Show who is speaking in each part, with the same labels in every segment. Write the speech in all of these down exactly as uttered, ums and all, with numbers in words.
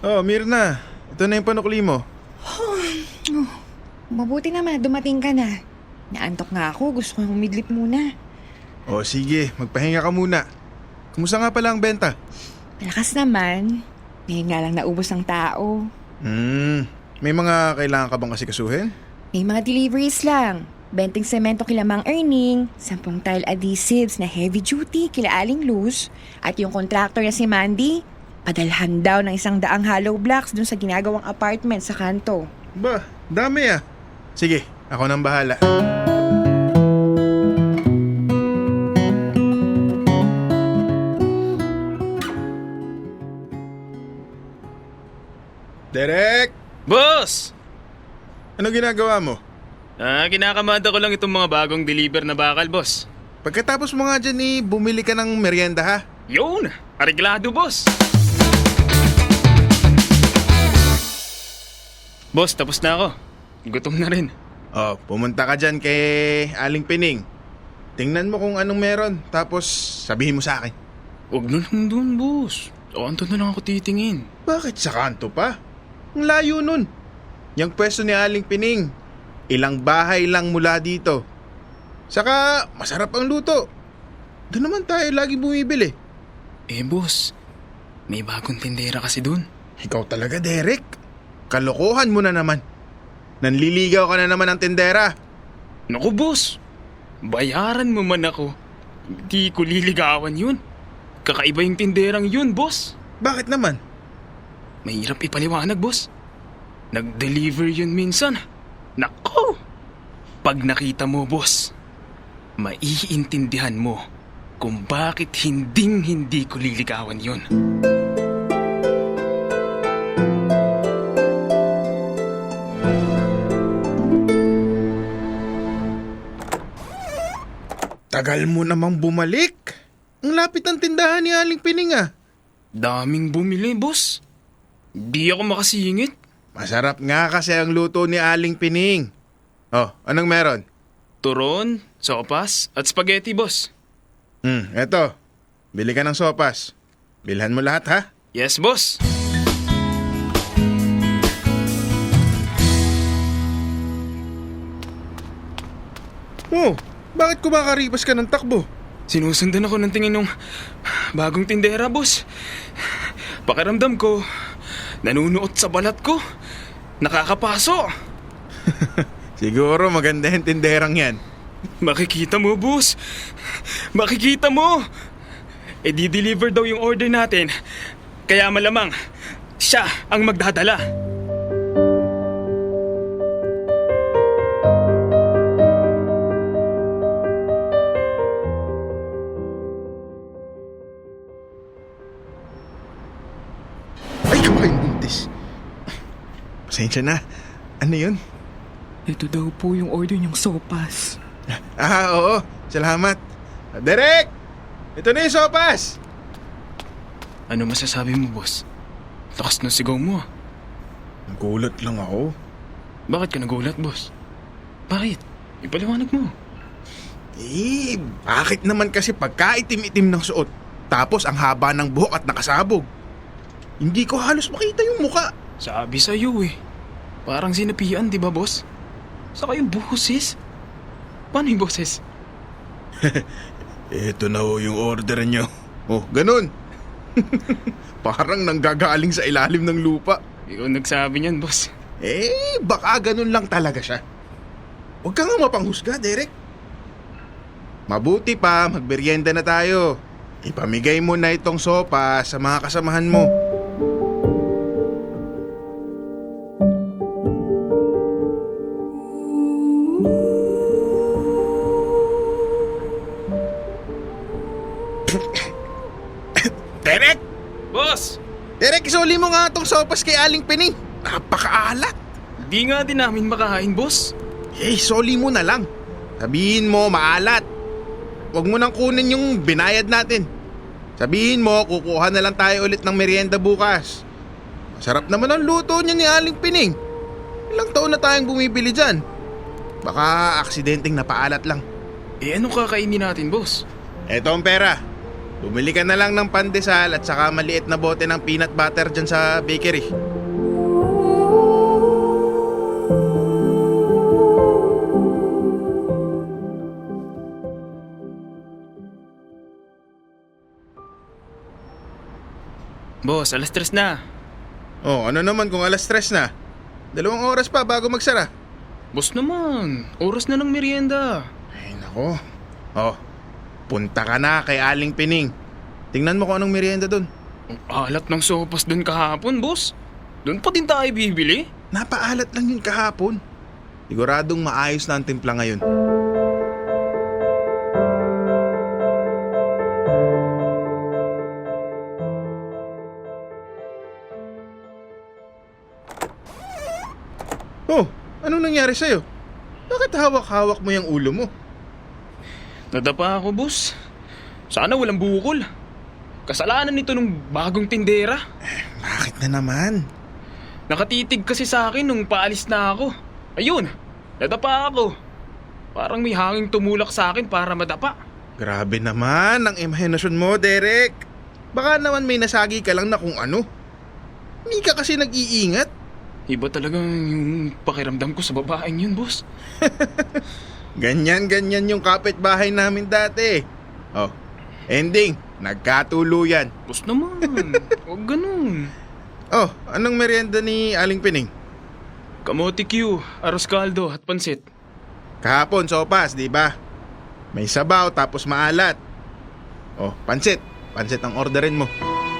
Speaker 1: Oh, Mirna. Ito na yung panukli mo.
Speaker 2: Oh, mabuti naman, dumating ka na. Naantok nga ako, gusto kong humidlip muna.
Speaker 1: Oh, sige. Magpahinga ka muna. Kumusta nga pala ang benta?
Speaker 2: Malakas naman. Ngayon nga lang naubos ng tao.
Speaker 1: Hmm. May mga kailangan ka bang kasi kasuhin?
Speaker 2: May mga deliveries lang. Benting semento kila Mang Erning, sampung tile adhesives na heavy duty kila Aling Luz, at yung contractor na si Mandy, padalhan daw ng isang daang hollow blocks dun sa ginagawang apartment sa kanto.
Speaker 1: Ba, dami ah. Sige, ako nang bahala. Derek!
Speaker 3: Boss!
Speaker 1: Ano ginagawa mo?
Speaker 3: Ah, kinakamada ko lang itong mga bagong deliver na bakal, boss.
Speaker 1: Pagkatapos mo nga dyan eh, bumili ka ng merienda ha?
Speaker 3: Yun! Areglado, boss! Boss, tapos na ako. Gutom na rin.
Speaker 1: Oh, pumunta ka dyan kay Aling Pining. Tingnan mo kung anong meron, tapos sabihin mo sa akin.
Speaker 3: Huwag na lang dun, boss. O, anto na lang ako titingin.
Speaker 1: Bakit sa kanto pa? Ang layo nun. Yang pwesto ni Aling Pining, ilang bahay lang mula dito. Saka masarap ang luto. Doon naman tayo lagi bumibili.
Speaker 3: Eh, boss, may bagong tindera kasi dun.
Speaker 1: Ikaw talaga, Derek. Kalokohan mo na naman. Nanliligaw ka na naman ng tindera.
Speaker 3: Naku, boss. Bayaran mo man ako. Hindi ko liligawan yun. Kakaiba yung tinderang yun, boss.
Speaker 1: Bakit naman?
Speaker 3: Mahirap ipaliwanag, boss. Nag-deliver yun minsan. Nako! Pag nakita mo, boss, maiintindihan mo kung bakit hinding-hindi ko liligawan yun.
Speaker 1: Tagal mo namang bumalik. Ang lapit ng tindahan ni Aling Pining ah.
Speaker 3: Daming bumili, boss. Di ako makasingit.
Speaker 1: Masarap nga kasi ang luto ni Aling Pining. Oh, anong meron?
Speaker 3: Turon, sopas, at spaghetti, boss.
Speaker 1: Hmm, eto. Bili ka ng sopas. Bilhan mo lahat ha.
Speaker 3: Yes, boss.
Speaker 1: Oh, bakit kumakaripas ka ng takbo?
Speaker 3: Sinusundan ako ng tingin ng bagong tindera, boss. Pakiramdam ko, nanunuot sa balat ko. Nakakapaso.
Speaker 1: Siguro maganda yung tinderang yan.
Speaker 3: Makikita mo, boss. Makikita mo. E di-deliver daw yung order natin. Kaya malamang, siya ang magdadala.
Speaker 1: Ay, kawain buntis. Pasensya na. Ano yun?
Speaker 2: Ito daw po yung order niyong sopas.
Speaker 1: Ah, oo. Salamat. Derek! Ito na yung sopas!
Speaker 3: Ano masasabi mo, boss? Lakas ng sigaw mo. ah.
Speaker 1: Nagulat lang ako.
Speaker 3: Bakit ka nagulat, boss? Bakit? Ipaliwanag mo.
Speaker 1: Eh, bakit naman kasi pagkaitim-itim ng suot, tapos ang haba ng buhok at nakasabog? Hindi ko halos makita yung muka.
Speaker 3: Sabi sa'yo eh. Parang sinapian, di ba, boss? Saka yung boses. Paano yung boses?
Speaker 1: Ito na ho yung order nyo. Oh, ganun. Parang nanggagaling sa ilalim ng lupa.
Speaker 3: Ikaw nagsabi niyan, boss.
Speaker 1: Eh, baka ganun lang talaga siya. Huwag ka nga mapanghusga, Derek. Mabuti pa, magberyenda na tayo. Ipamigay mo na itong sopa sa mga kasamahan mo. Derek!
Speaker 3: Boss!
Speaker 1: Derek, isuli mo nga itong sopas kay Aling Pining. Napakaalat.
Speaker 3: Di nga din namin makahain, boss.
Speaker 1: Eh, soli mo na lang. Sabihin mo, maalat. Huwag mo nang kunin yung binayad natin. Sabihin mo, kukuha na lang tayo ulit ng merienda bukas. Masarap naman ang luto niya ni Aling Pining. Ilang taon na tayong bumibili dyan. Baka aksidenteng napaalat lang.
Speaker 3: Eh, anong kakainin natin, boss?
Speaker 1: Eto ang pera. Bumili ka na lang ng pandesal at saka maliit na bote ng peanut butter dyan sa bakery.
Speaker 3: Boss, alas tres na.
Speaker 1: Oh, ano naman kung alas tres na? Dalawang oras pa bago magsara.
Speaker 3: Boss naman, oras na ng merienda.
Speaker 1: Ay, nako. Oh, punta ka na kay Aling Pining. Tingnan mo kung anong merienda dun.
Speaker 3: Ang alat ng sopas dun kahapon, boss. Doon pa din tayo bibili.
Speaker 1: Napaalat lang yun kahapon. Siguradong maayos na ang timpla ngayon. Oh, anong nangyari sa'yo? Bakit hawak-hawak mo yung ulo mo?
Speaker 3: Nadapa ako, boss. Sana walang bukol. Kasalanan nito nung bagong tindera.
Speaker 1: Bakit na naman?
Speaker 3: Nakatitig kasi sa akin nung paalis na ako. Ayun, nadapa ako. Parang may hanging tumulak sa akin para madapa.
Speaker 1: Grabe naman ang imahinasyon mo, Derek. Baka naman may nasagi ka lang na kung ano. Hindi ka kasi nag-iingat.
Speaker 3: Iba talaga yung pakiramdam ko sa babaeng yun, boss.
Speaker 1: Ganyan-ganyan yung kapitbahay namin dati. Oh, ending, nagkatuluyan.
Speaker 3: Boss naman, huwag ganun.
Speaker 1: Oh, anong merienda ni Aling Pining?
Speaker 3: Kamote Q, aros kaldo at pansit.
Speaker 1: Kahapon, sopas, di ba? May sabaw tapos maalat. Oh, pansit. Pansit ang orderin mo.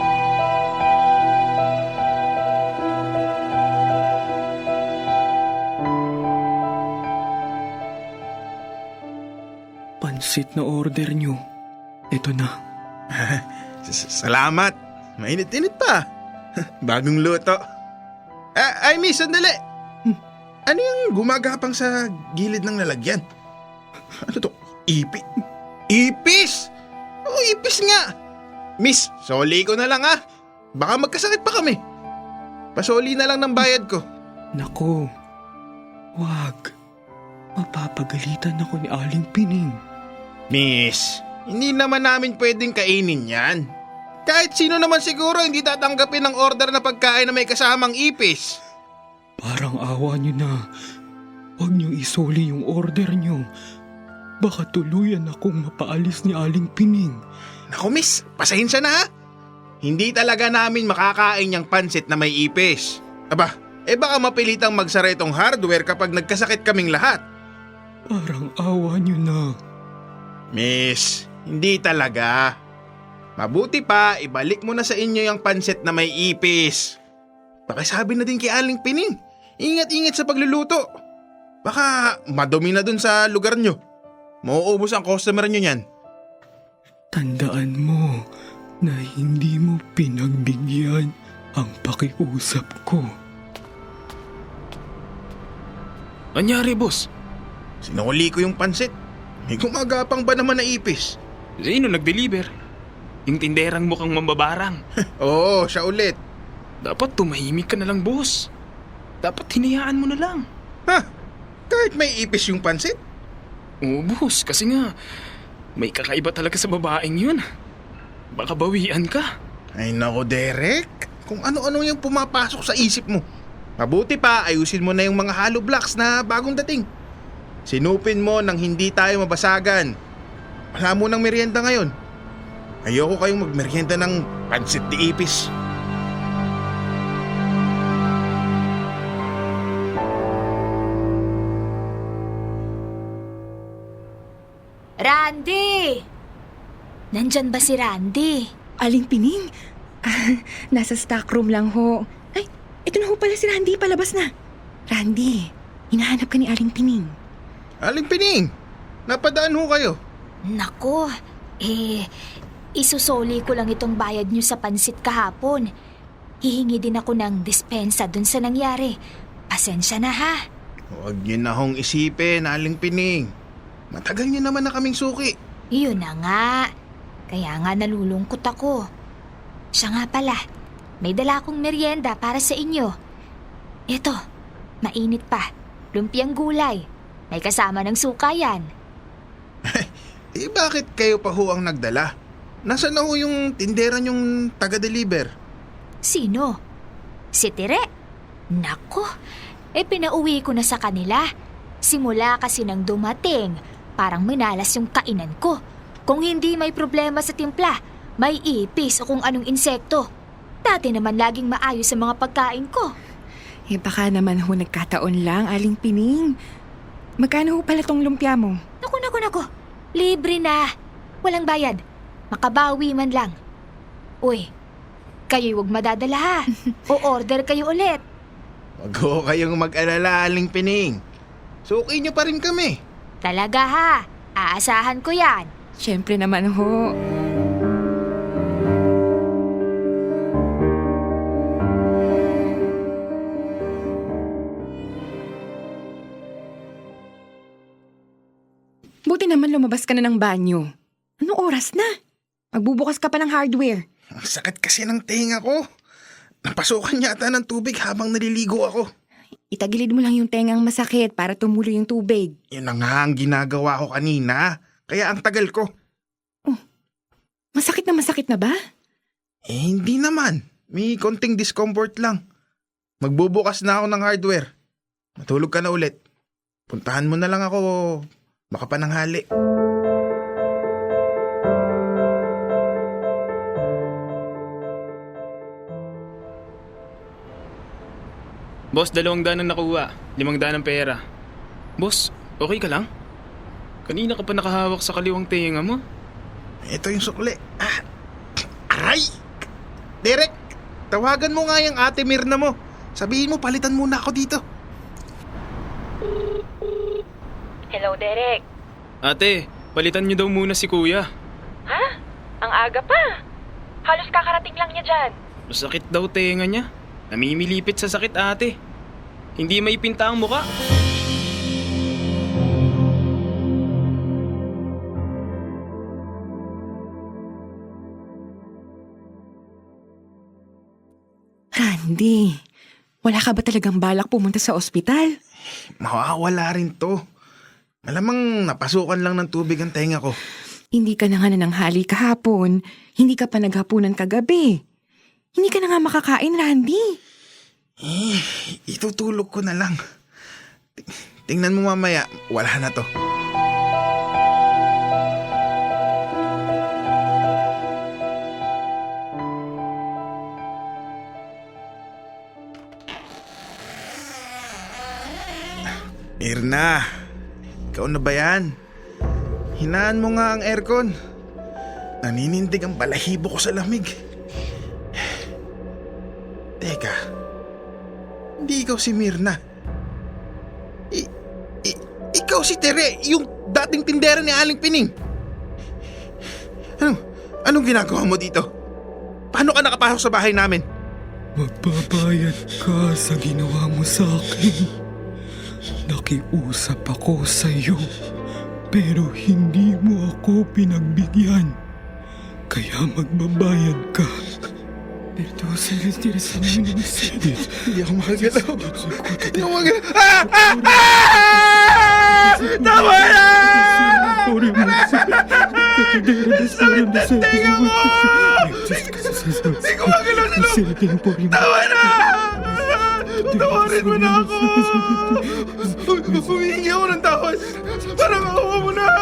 Speaker 3: Pansit na order nyo. Ito na.
Speaker 1: Salamat. Mainit-init pa. Bagong luto. Ah, ay, miss, sandali. Hmm, Ano yung gumagapang sa gilid ng lalagyan? Ano to? Ipi? Ipis! Oo, ipis nga. Miss, soli ko na lang ah. Baka magkasakit pa kami. Pasoli na lang ng bayad ko.
Speaker 4: Nako, wag. Mapapagalitan ako ni Aling Pining.
Speaker 1: Miss, hindi naman namin pwedeng kainin yan. Kahit sino naman siguro hindi tatanggapin ng order na pagkain na may kasamang ipis.
Speaker 4: Parang awa niyo na. Huwag niyo isoli yung order niyo. Baka tuluyan akong mapaalis ni Aling Pining.
Speaker 1: Naku miss, pasensya na ha. Hindi talaga namin makakain yung pansit na may ipis. Aba, eh baka mapilitang magsara itong hardware kapag nagkasakit kaming lahat.
Speaker 4: Parang awa niyo na.
Speaker 1: Miss, hindi talaga. Mabuti pa, ibalik mo na sa inyo yung pansit na may ipis. Pakisabi na din kay Aling Pining. Ingat-ingat sa pagluluto. Baka madumi na dun sa lugar nyo. Mauubos ang customer nyo yan.
Speaker 4: Tandaan mo na hindi mo pinagbigyan ang pakiusap ko.
Speaker 3: Anyari, boss?
Speaker 1: Sinuli ko yung pansit. May gumagapang ba naman na ipis?
Speaker 3: Sino nag-deliver? Yung tinderang mukhang mambabarang.
Speaker 1: Oo, siya ulit.
Speaker 3: Dapat tumahimik ka na lang, boss. Dapat hinayaan mo na lang.
Speaker 1: Ha? Kahit may ipis yung pansit?
Speaker 3: Oo, boss. Kasi nga, may kakaiba talaga sa babaeng yun. Baka bawian ka.
Speaker 1: Ay nako, Derek. Kung ano-ano yung pumapasok sa isip mo. Mabuti pa, ayusin mo na yung mga hollow blocks na bagong dating. Sinupin mo nang hindi tayo mabasagan. Wala mo ng merienda ngayon. Ayoko kayong magmerienda ng pansit di ipis.
Speaker 5: Randy! Nandyan ba si Randy?
Speaker 2: Aling Pining? Ah, nasa stock room lang ho. Ay, ito na ho pala si Randy, palabas na. Randy, hinahanap ka ni Aling Pining.
Speaker 1: Aling Pining, napadaan ho kayo.
Speaker 5: Nako, eh, isusoli ko lang itong bayad niyo sa pansit kahapon. Hihingi din ako ng dispensa dun sa nangyari. Pasensya na ha.
Speaker 1: Huwag yun na hong isipin, Aling Pining. Matagal niyo naman na kaming suki.
Speaker 5: Yun na nga. Kaya nga nalulungkot ako. Siya nga pala, may dala akong merienda para sa inyo. Ito, mainit pa. Lumpiang gulay. May kasama ng suka yan.
Speaker 1: Eh bakit kayo pa ho ang nagdala? Nasaan na ho yung tindera yung taga-deliver?
Speaker 5: Sino? Si Tire? Nako, eh pinauwi ko na sa kanila. Simula kasi nang dumating, parang minalas yung kainan ko. Kung hindi may problema sa timpla, may ipis o kung anong insekto. Dati naman laging maayos sa mga pagkain ko.
Speaker 2: Eh baka naman ho nagkataon lang, Aling Pining. Magkano ho pala tong lumpia mo?
Speaker 5: Naku, naku, naku. Libre na. Walang bayad. Makabawi man lang. Uy, kayo'y huwag madadala ha. O order kayo ulit.
Speaker 1: Wag ho kayong mag-alala, Aling Pining. Suki nyo pa rin kami.
Speaker 5: Talaga ha. Aasahan ko yan.
Speaker 2: Siyempre naman ho. Buti naman lumabas ka na ng banyo. Anong oras na? Magbubukas ka pa ng hardware.
Speaker 1: Ang sakit kasi ng tenga ko. Napasukan yata ng tubig habang naliligo ako.
Speaker 2: Itagilid mo lang yung tengang masakit para tumulo yung tubig.
Speaker 1: Yun na nga ang ginagawa ko kanina. Kaya ang tagal ko.
Speaker 2: Masakit na masakit na ba?
Speaker 1: Eh, hindi naman. May konting discomfort lang. Magbubukas na ako ng hardware. Matulog ka na ulit. Puntahan mo na lang ako baka pananghali.
Speaker 3: Boss, dalawang daan ang nakuha. Limang daan ang pera. Boss, okay ka lang? Kanina ka pa nakahawak sa kaliwang tenga mo.
Speaker 1: Ito yung sukli. Ah, aray! Derek, tawagan mo nga yung ate Mirna mo. Sabihin mo, palitan muna ako dito.
Speaker 6: Hello, Derek.
Speaker 3: Ate, palitan niyo daw muna si kuya.
Speaker 6: Ha? Ang aga pa. Halos kakarating lang niya dyan.
Speaker 3: Masakit daw tenga niya. Namimilipit sa sakit, ate. Hindi may pinta ang muka.
Speaker 2: Randy, wala ka ba talagang balak pumunta sa ospital?
Speaker 1: Mawawala rin to. Malamang napasukan lang ng tubig ang tenga ko.
Speaker 2: Hindi ka na nga nananghali kahapon. Hindi ka pa naghapunan kagabi. Hindi ka na nga makakain, Randy.
Speaker 1: Eh, itutulog ko na lang. T- Tingnan mo mamaya, wala na to. Mirna, ikaw na ba yan? Hinaan mo nga ang aircon. Naninindig ang balahibo ko sa lamig. Teka, hindi ikaw si Mirna. I, i, ikaw si Tere, yung dating tindera ni Aling Pining. Ano, anong ginagawa mo dito? Paano ka nakapasok sa bahay namin?
Speaker 4: Magbabayad ka sa ginawa mo sa akin. Nakiusap ako sa iyo, pero hindi mo ako pinagbigyan. Kaya magbabayad ka. Pero sa retira sa mga nasidit.
Speaker 1: Hindi ako makagalaw. Hindi ako makagalaw. Ah! Ah! Ah! Tama na! Tenga mo! Hindi ko makagalaw sa loob. Tama na! Tawarin mo na ako! Humingi ako ng tawad. Para makawa mo na!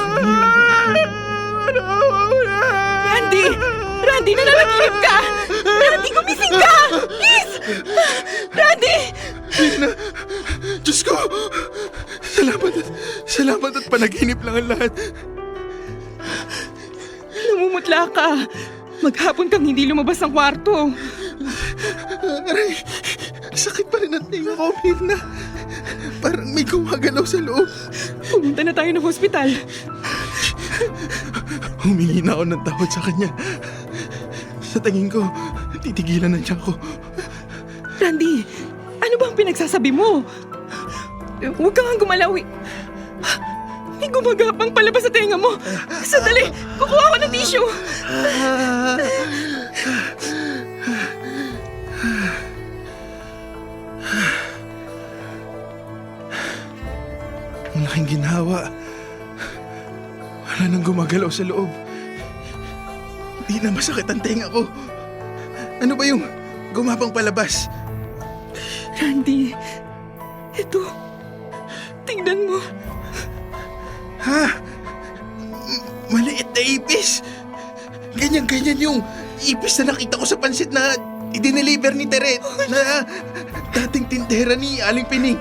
Speaker 1: Para makawa mo na!
Speaker 2: Randy! Randy, nananaginip ka! Randy, gumising ka! Please! Randy!
Speaker 1: Mirna! Diyos ko! Salamat at, salamat at panaginip lang ang lahat.
Speaker 2: Namumutla ka. Maghapon kang hindi lumabas ng kwarto.
Speaker 1: Aray, sakit pa rin ang tinga ko, Mirna. Parang may gumagalaw sa loob.
Speaker 2: Pumunta na tayo ng hospital.
Speaker 1: Humingi na ako ng tawad sa kanya. Sa tingin ko, titigilan na siya ako.
Speaker 2: Randy, ano ba ang pinagsasabi mo? Huwag ka nga gumalaw. eh. May gumagapang palabas sa tenga mo. Sandali, kukuha ko ng tissue.
Speaker 1: Ang laking ginhawa. Wala nang gumagalaw sa loob. Hindi na masakit ang tenga ko. Ano ba yung gumapang palabas?
Speaker 4: Randy, ito. Tingnan mo.
Speaker 1: Ha? M- Maliit na ipis. Ganyan-ganyan yung ipis na nakita ko sa pansit na idineliver ni Tere na dating tindera ni Aling Pining.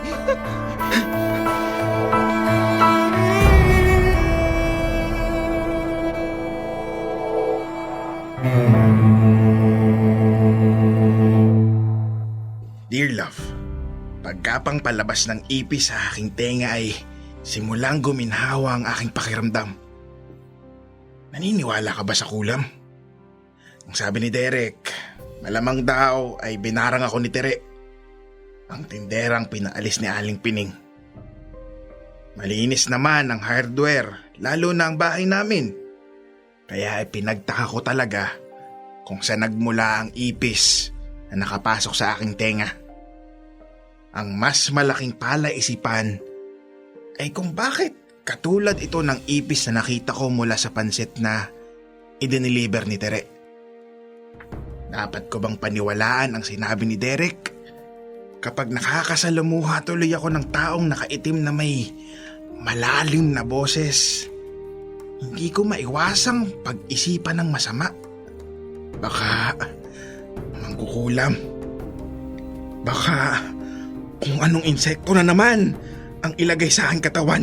Speaker 1: Dear love, pagkapang palabas ng ipis sa aking tenga ay simulang guminhawa ang aking pakiramdam. Naniniwala ka ba sa kulam? Ang sabi ni Derek, malamang daw ay binarang ako ni Tere. Ang tinderang pinaalis ni Aling Pining. Malinis naman ang hardware, lalo na ang bahay namin. Kaya ay pinagtaka ko talaga kung saan nagmula ang ipis na nakapasok sa aking tenga. Ang mas malaking palaisipan ay kung bakit katulad ito ng ipis na nakita ko mula sa pansit na idiniliber ni Tere. Dapat ko bang paniwalaan ang sinabi ni Derek? Kapag nakakasalamuha tuloy ako ng taong nakaitim na may malalim na boses, hindi ko maiwasang pag-isipan ng masama. Baka mangkukulam. Baka kung anong insekto na naman ang ilagay sa aking katawan.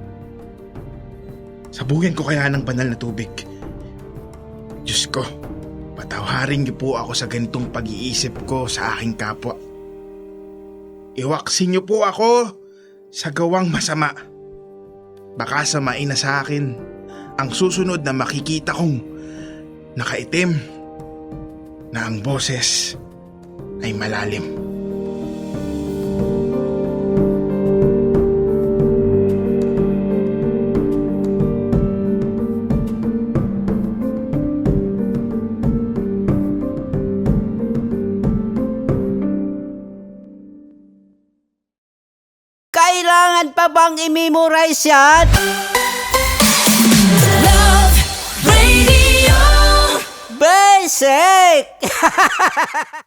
Speaker 1: Sabuyan ko kaya ng banal na tubig. Diyos ko, patawarin niyo po ako sa ganitong pag-iisip ko sa aking kapwa. Iwaksin niyo po ako sa gawang masama. Baka samain na sa akin ang susunod na makikita kong nakaitim na ang boses ay malalim.
Speaker 7: Kailangan pa bang i-memorize yan?
Speaker 8: Love Radio.
Speaker 7: Basic!